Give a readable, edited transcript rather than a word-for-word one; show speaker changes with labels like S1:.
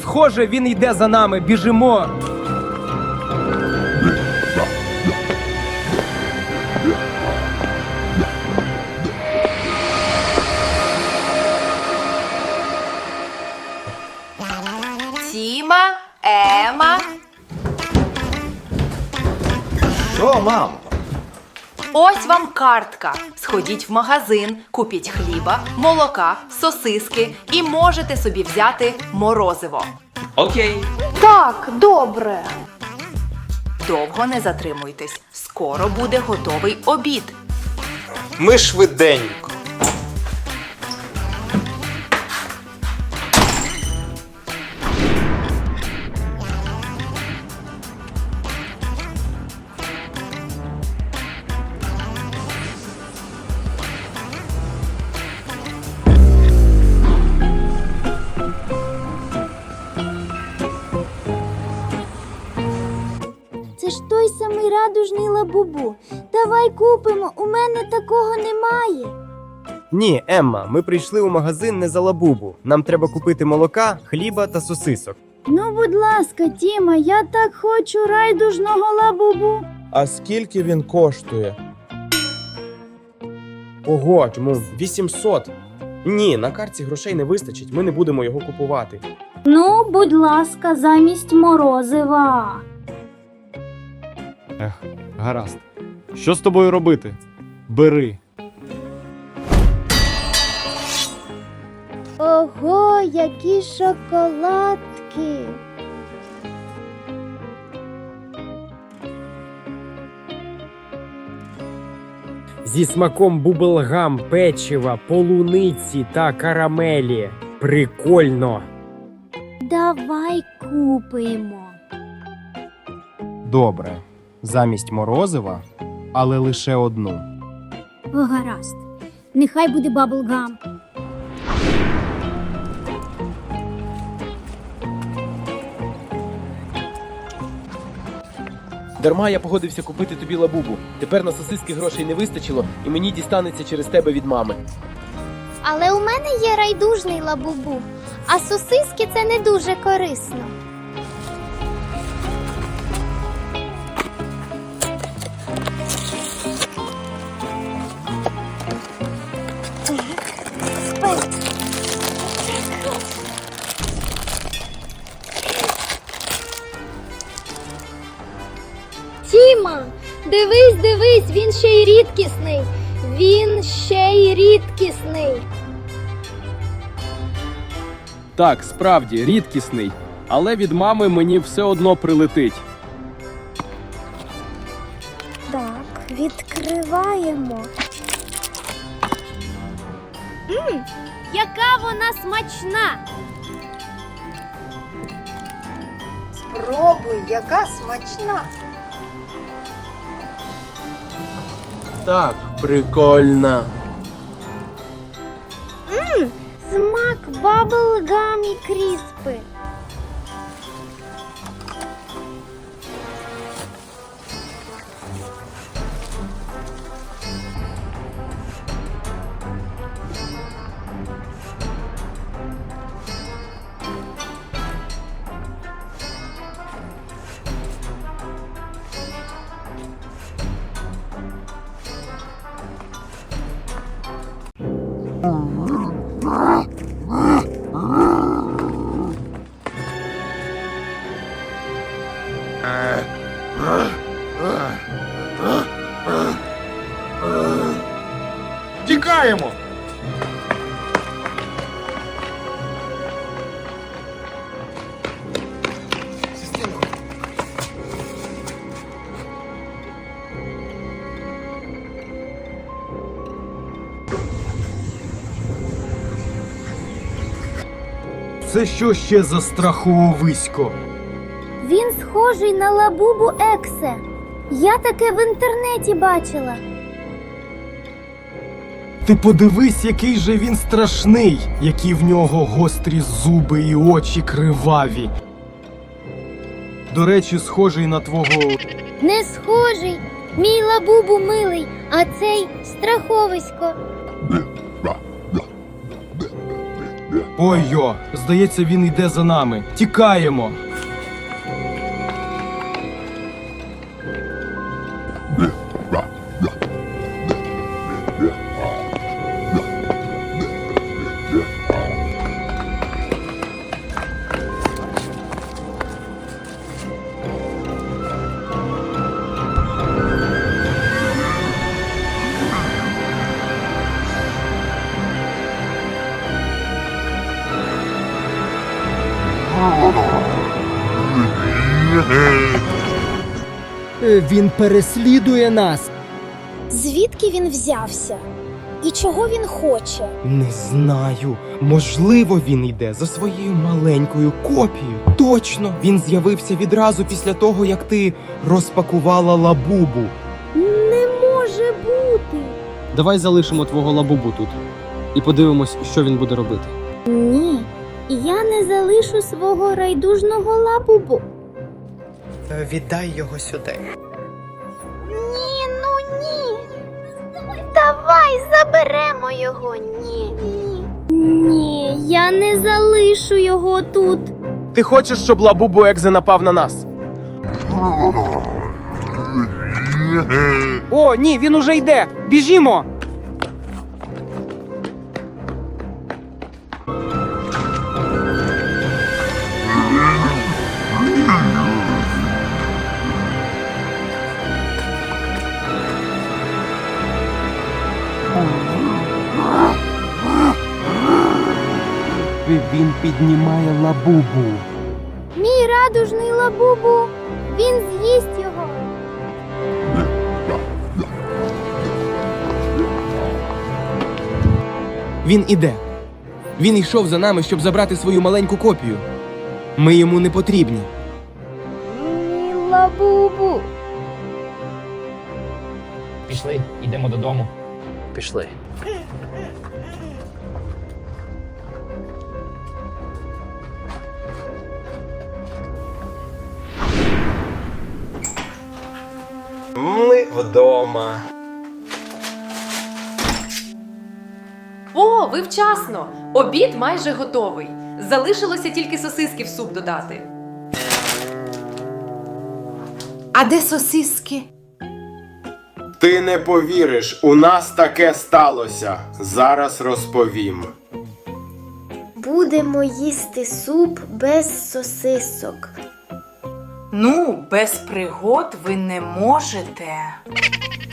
S1: Схоже, він йде за нами, біжимо.
S2: Тіма, Ема.
S3: Що, мам?
S2: Ось вам картка. Сходіть в магазин, купіть хліба, молока, сосиски і можете собі взяти морозиво.
S3: Окей.
S4: Так, добре.
S2: Довго не затримуйтесь. Скоро буде готовий обід.
S3: Ми швиденько.
S5: Це ж той самий радужний лабубу. Давай купимо, у мене такого немає.
S1: Ні, Емма, ми прийшли у магазин не за лабубу. Нам треба купити молока, хліба та сосисок.
S5: Ну, будь ласка, Тіма, я так хочу райдужного лабубу.
S6: А скільки він коштує?
S1: Ого, чому 800? Ні, на картці грошей не вистачить, ми не будемо його купувати.
S5: Ну, будь ласка, замість морозива.
S7: Гаразд. Що з тобою робити? Бери.
S5: Ого, які шоколадки.
S1: Зі смаком бублгам, печива, полуниці та карамелі. Прикольно.
S5: Давай купимо.
S1: Добре. Замість морозива, але лише одну.
S5: О, гаразд. Нехай буде баблгам.
S8: Дарма я погодився купити тобі лабубу. Тепер на сосиски грошей не вистачило, і мені дістанеться через тебе від мами.
S9: Але у мене є райдужний лабубу, а сосиски це не дуже корисно.
S5: Тіма, дивись, він ще й рідкісний. Він ще й рідкісний.
S8: Так, справді, рідкісний. Але від мами мені все одно прилетить.
S5: Так, відкриваємо.
S9: Яка вона смачна!
S2: Спробуй, яка смачна.
S8: Так, прикольно.
S5: Смак баблгам і кріспи.
S6: Тікаємо!
S1: Це що ще за страховисько?
S5: Він схожий на лабубу Ексе. Я таке в інтернеті бачила.
S1: Ти подивись, який же він страшний, які в нього гострі зуби і очі криваві. До речі, схожий на твого...
S5: Не схожий. Мій лабубу милий, а цей страховисько.
S1: Ой-йо, здається, він йде за нами. Тікаємо.
S10: Він переслідує нас.
S5: Звідки він взявся? І чого він хоче?
S10: Не знаю. Можливо, він йде за своєю маленькою копією. Точно, він з'явився відразу після того, як ти розпакувала лабубу.
S5: Не може бути.
S7: Давай залишимо твого лабубу тут і подивимось, що він буде робити.
S5: Ні, я не залишу свого райдужного лабубу.
S10: Віддай його сюди.
S9: Ні, ну ні. Давай заберемо його. Ні.
S5: Ні, я не залишу його тут.
S8: Ти хочеш, щоб лабубу Екзе напав на нас?
S10: О, ні, він уже йде. Біжімо. Він піднімає лабубу.
S5: Мій радужний лабубу. Він з'їсть його.
S10: Він іде. Він йшов за нами, щоб забрати свою маленьку копію. Ми йому не потрібні.
S5: Мій лабубу.
S3: Пішли, йдемо додому. Пішли.
S6: Ми вдома.
S2: О, ви вчасно! Обід майже готовий. Залишилося тільки сосиски в суп додати. А де сосиски?
S6: Ти не повіриш, у нас таке сталося. Зараз розповім.
S9: Будемо їсти суп без сосисок.
S2: Ну, без пригод ви не можете.